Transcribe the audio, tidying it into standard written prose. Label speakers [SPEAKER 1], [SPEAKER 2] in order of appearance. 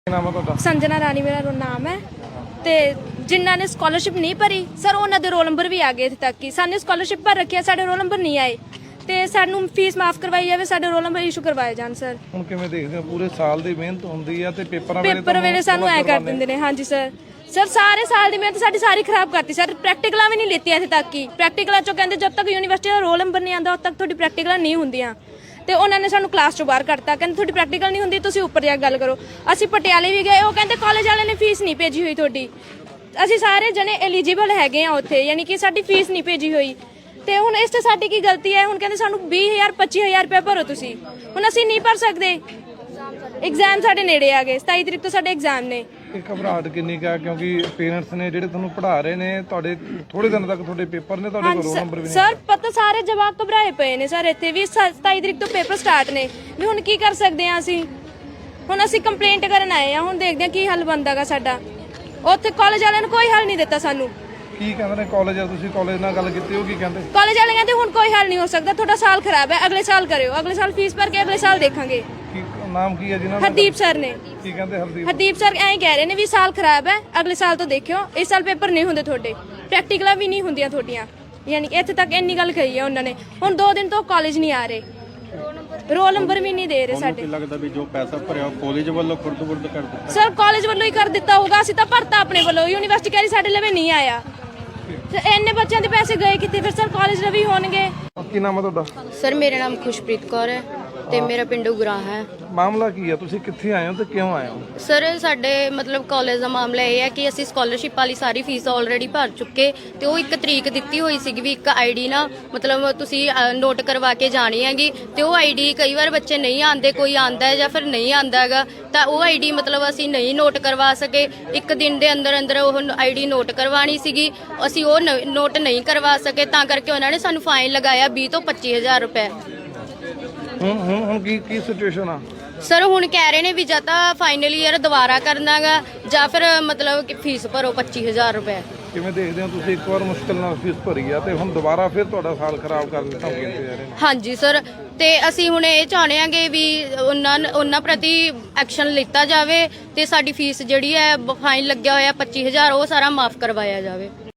[SPEAKER 1] ਨਾਮ ਹੈ ਤੁਹਾਡਾ?
[SPEAKER 2] ਸੰਜਨਾ ਰਾਣੀ ਮੇਰਾ ਨਾਮ ਹੈ। ਤੇ ਜਿਨ੍ਹਾਂ ਨੇ ਸਕਾਲਰਸ਼ਿਪ ਨਹੀਂ ਭਰੀ ਸਰ ਉਹਨਾਂ ਦੇ ਰੋਲ ਨੰਬਰ ਵੀ ਆ ਗਏ ਇੱਥੇ ਤੱਕ ਕਿ ਸਾਨੇ ਸਕਾਲਰਸ਼ਿਪ ਭਰ ਰੱਖਿਆ, ਸਾਡੇ ਰੋਲ ਨੰਬਰ ਨਹੀਂ ਆਏ ਤੇ ਸਾਨੂੰ ਫੀਸ ਮਾਫ ਕਰਵਾਈ ਜਾਵੇ, ਸਾਡੇ ਰੋਲ ਨੰਬਰ ਇਸ਼ੂ ਕਰਵਾਏ ਜਾਣ। ਸਰ
[SPEAKER 1] ਹੁਣ ਕਿਵੇਂ ਦੇਖਦੇ ਹੋ? ਪੂਰੇ ਸਾਲ ਦੀ ਮਿਹਨਤ ਹੁੰਦੀ ਆ ਤੇ ਪੇਪਰ
[SPEAKER 2] ਵੇਲੇ ਸਾਨੂੰ ਐ ਕਰ ਦਿੰਦੇ ਨੇ। ਹਾਂਜੀ ਸਰ, ਸਾਰੇ ਸਾਲ ਦੀ ਮਿਹਨਤ ਸਾਡੀ ਸਾਰੀ ਖਰਾਬ ਕਰਤੀ ਸਰ। ਪ੍ਰੈਕਟੀਕਲਾਂ ਵੀ ਨਹੀਂ ਲਿੱਤੀਆਂ ਇੱਥੇ ਤੱਕ ਕਿ ਪ੍ਰੈਕਟੀਕਲਾਂ ਚੋਂ ਕਹਿੰਦੇ ਜਦ ਤੱਕ ਯੂਨੀਵਰਸਿਟੀ ਦਾ ਰੋਲ ਨੰਬਰ ਨਹੀਂ ਆਉਂਦਾ ਉਦ ਤੱਕ ਤੁਹਾਡੀ ਪ੍ਰੈਕਟੀਕਲਾਂ ਨਹੀਂ ਹੁੰਦੀਆਂ। ਤੇ ਉਹਨਾਂ ਨੇ ਸਾਨੂੰ ਕਲਾਸ ਚੋਂ ਬਾਹਰ ਕੱਢਤਾ, ਕਹਿੰਦੇ ਤੁਹਾਡੀ ਪ੍ਰੈਕਟੀਕਲ ਨਹੀਂ ਹੁੰਦੀ, ਤੁਸੀਂ ਉੱਪਰ ਜਾ ਕੇ ਗੱਲ ਕਰੋ। ਅਸੀਂ ਪਟਿਆਲੇ ਵੀ ਗਏ, ਉਹ ਕਹਿੰਦੇ ਕਾਲਜ ਵਾਲਿਆਂ ਨੇ ਫੀਸ ਨਹੀਂ ਭੇਜੀ ਹੋਈ ਤੁਹਾਡੀ। ਅਸੀਂ ਸਾਰੇ ਜਣੇ ਐਲੀਜੀਬਲ ਹੈਗੇ ਆ ਉੱਥੇ, ਯਾਨੀ ਕਿ ਸਾਡੀ ਫੀਸ ਨਹੀਂ ਭੇਜੀ ਹੋਈ। ਤੇ ਹੁਣ ਇਸ ਤੇ ਸਾਡੀ ਕੀ ਗਲਤੀ ਹੈ? ਹੁਣ ਕਹਿੰਦੇ ਸਾਨੂੰ 20,000 25,000 ਰੁਪਏ ਭਰੋ ਤੁਸੀਂ। ਹੁਣ ਅਸੀਂ ਨਹੀਂ ਭਰ ਸਕਦੇ, ਐਗਜ਼ਾਮ ਸਾਡੇ ਨੇੜੇ ਆ ਗਏ, 27 ਤਰੀਕ ਤੋਂ ਸਾਡੇ ਐਗਜ਼ਾਮ ਨੇ।
[SPEAKER 1] ਇਹ ਘਬਰਾਹਟ ਕਿੰਨੀ ਕਾ? ਕਿਉਂਕਿ ਪੇਰੈਂਟਸ ਨੇ ਜਿਹੜੇ ਤੁਹਾਨੂੰ ਪੜ੍ਹਾ ਰਹੇ ਨੇ, ਤੁਹਾਡੇ ਥੋੜੇ ਦਿਨ ਤੱਕ ਤੁਹਾਡੇ ਪੇਪਰ ਨੇ, ਤੁਹਾਡੇ ਕੋਲ ਰੋਲ ਨੰਬਰ ਵੀ ਨਹੀਂ।
[SPEAKER 2] ਸਰ ਪਤਾ ਸਾਰੇ ਜਵਾਬ ਘਬਰਾਏ ਪਏ ਨੇ ਸਰ, ਇੱਥੇ ਵੀ 27 ਤਰੀਕ ਤੋਂ ਪੇਪਰ ਸਟਾਰਟ ਨੇ ਵੀ ਹੁਣ ਕੀ ਕਰ ਸਕਦੇ ਆ ਅਸੀਂ? ਹੁਣ ਅਸੀਂ ਕੰਪਲੇਂਟ ਕਰਨ ਆਏ ਆ, ਹੁਣ ਦੇਖਦੇ ਆ ਕੀ ਹੱਲ ਬਣਦਾਗਾ ਸਾਡਾ। ਉੱਥੇ ਕਾਲਜ ਵਾਲਿਆਂ ਨੇ ਕੋਈ ਹੱਲ ਨਹੀਂ ਦਿੱਤਾ ਸਾਨੂੰ।
[SPEAKER 1] ਕੀ ਕਹਿੰਦੇ ਨੇ ਕਾਲਜ? ਤੁਸੀਂ ਕਾਲਜ ਨਾਲ ਗੱਲ ਕੀਤੀ? ਉਹ ਕੀ ਕਹਿੰਦੇ?
[SPEAKER 2] ਕਾਲਜ ਵਾਲੇ ਕਹਿੰਦੇ ਹੁਣ ਕੋਈ ਹੱਲ ਨਹੀਂ ਹੋ ਸਕਦਾ, ਤੁਹਾਡਾ ਸਾਲ ਖਰਾਬ ਹੈ, ਅਗਲੇ ਸਾਲ ਕਰਿਓ, ਅਗਲੇ ਸਾਲ ਫੀਸ ਭਰ ਕੇ ਅਗਲੇ ਸਾਲ ਦੇਖਾਂਗੇ।
[SPEAKER 1] ਕੀ ਨਾਮ ਕੀ ਹੈ ਜਿਹਨਾਂ ਦਾ?
[SPEAKER 2] ਹਰਦੀਪ ਸਰ ਨੇ।
[SPEAKER 1] ਕੀ ਕਹਿੰਦੇ
[SPEAKER 2] ਹਰਦੀਪ ਸਰ ਐਂ ਕਹਿ ਰਹੇ ਨੇ ਵੀ ਸਾਲ ਖਰਾਬ ਹੈ, ਅਗਲੇ ਸਾਲ ਤੋਂ ਦੇਖਿਓ, ਇਸ ਸਾਲ ਪੇਪਰ ਨਹੀਂ ਹੁੰਦੇ ਤੁਹਾਡੇ, ਪ੍ਰੈਕਟੀਕਲਾਂ ਵੀ ਨਹੀਂ ਹੁੰਦੀਆਂ ਤੁਹਾਡੀਆਂ। ਯਾਨੀ ਕਿ ਇੱਥੇ ਤੱਕ ਇੰਨੀ ਗੱਲ ਕਹੀ ਹੈ ਉਹਨਾਂ ਨੇ। ਹੁਣ 2 ਦਿਨ ਤੋਂ ਕਾਲਜ ਨਹੀਂ ਆ ਰਹੇ, ਰੋਲ ਨੰਬਰ ਵੀ ਨਹੀਂ ਦੇ ਰਹੇ ਸਾਡੇ।
[SPEAKER 3] ਲੱਗਦਾ ਵੀ ਜੋ ਪੈਸਾ ਭਰਿਆ ਕਾਲਜ ਵੱਲੋਂ ਖੁਰਦ ਕਰ ਦਿੱਤਾ।
[SPEAKER 2] ਸਰ ਕਾਲਜ ਵੱਲੋਂ ਹੀ ਕਰ ਦਿੱਤਾ ਹੋਊਗਾ, ਅਸੀਂ ਤਾਂ ਭਰਤਾ ਆਪਣੇ ਵੱਲੋਂ, ਯੂਨੀਵਰਸਿਟੀ ਕਹਿ ਰਹੀ ਸਾਡੇ ਲਵੇ ਨਹੀਂ ਆਇਆ। ਇੰਨੇ ਬੱਚਿਆਂ ਦੇ ਪੈਸੇ ਗਏ ਕਿੱਥੇ ਫਿਰ? ਸਰ ਕਾਲਜ ਲਵੇ ਹੋਣਗੇ।
[SPEAKER 1] ਕੀ ਨਾਮ ਹੈ ਤੁਹਾਡਾ?
[SPEAKER 4] ਸਰ ਮੇਰਾ ਨਾਮ ਖੁਸ਼ਪ੍ਰੀਤ ਕੌਰ ਹੈ ਤੇ ਮੇਰਾ ਪਿੰਡ ਉਗਰਾਹ ਹੈ।
[SPEAKER 1] ਮਾਮਲਾ ਕੀ ਹੈ? ਤੁਸੀਂ ਕਿੱਥੇ ਆਏ ਹੋ ਤੇ ਕਿਉਂ ਆਏ ਹੋ?
[SPEAKER 4] ਸਰ ਸਾਡੇ ਮਤਲਬ ਕਾਲਜ ਦਾ ਮਾਮਲਾ ਇਹ ਹੈ ਕਿ ਅਸੀਂ ਸਕਾਲਰਸ਼ਿਪ ਵਾਲੀ ਸਾਰੀ ਫੀਸ ਆਲਰੇਡੀ ਭਰ ਚੁੱਕੇ ਤੇ ਉਹ ਇੱਕ ਤਰੀਕ ਦਿੱਤੀ ਹੋਈ ਸੀਗੀ ਵੀ ਇੱਕ ਆਈਡੀ ਨਾ ਮਤਲਬ ਤੁਸੀਂ ਨੋਟ ਕਰਵਾ ਕੇ ਜਾਣੀ ਹੈਗੀ ਤੇ ਉਹ ਆਈਡੀ ਕਈ ਵਾਰ ਬੱਚੇ ਨਹੀਂ ਆਉਂਦੇ, ਕੋਈ ਆਂਦਾ ਹੈ ਜਾਂ ਫਿਰ ਨਹੀਂ ਆਂਦਾ ਹੈਗਾ ਤਾਂ ਉਹ ਆਈਡੀ ਮਤਲਬ ਅਸੀਂ ਨਹੀਂ ਨੋਟ ਕਰਵਾ ਸਕੇ। ਇੱਕ ਦਿਨ ਦੇ ਅੰਦਰ ਅੰਦਰ ਉਹ ਆਈਡੀ ਨੋਟ ਕਰਵਾਣੀ ਸੀਗੀ, ਅਸੀਂ ਉਹ ਨੋਟ ਨਹੀਂ ਕਰਵਾ ਸਕੇ ਤਾਂ ਕਰਕੇ ਉਹਨਾਂ ਨੇ ਸਾਨੂੰ ਫਾਈਨ ਲਗਾਇਆ 20 ਤੋਂ 25,000 ਰੁਪਏ।
[SPEAKER 1] ਹੁਣ ਕੀ ਸਿਚੁਏਸ਼ਨ ਆ?
[SPEAKER 4] ਸਰ ਹੁਣ ਕਹਿ ਰਹੇ ਨੇ ਵੀ ਜਾਂ ਤਾਂ ਫਾਈਨਲ ਈਅਰ ਦੁਬਾਰਾ ਕਰਨਾਗਾ ਜਾਂ ਫਿਰ ਮਤਲਬ ਕਿ ਫੀਸ ਭਰੋ 25,000 ਰੁਪਏ।
[SPEAKER 1] ਕਿਵੇਂ ਦੇਖਦੇ ਹੋ ਤੁਸੀਂ? ਇੱਕ ਵਾਰ ਮੁਸ਼ਕਿਲ ਨਾਲ ਫੀਸ ਭਰੀ ਆ ਤੇ ਹੁਣ ਦੁਬਾਰਾ ਫਿਰ ਤੁਹਾਡਾ ਸਾਲ ਖਰਾਬ ਕਰਨ ਦੀ ਧਮਕੀ ਦਿੱਤੀ ਜਾ ਰਹੀ ਹੈ।
[SPEAKER 4] ਹਾਂਜੀ ਸਰ, ਤੇ ਅਸੀਂ ਹੁਣ ਇਹ ਚਾਹੁੰਦੇ ਆਂਗੇ ਵੀ ਉਹਨਾਂ ਪ੍ਰਤੀ ਐਕਸ਼ਨ ਲਿੱਤਾ ਜਾਵੇ ਤੇ ਸਾਡੀ ਫੀਸ ਜਿਹੜੀ ਹੈ ਫਾਈਨ ਲੱਗਿਆ ਹੋਇਆ 25,000 ਉਹ ਸਾਰਾ ਮਾਫ ਕਰਵਾਇਆ ਜਾਵੇ।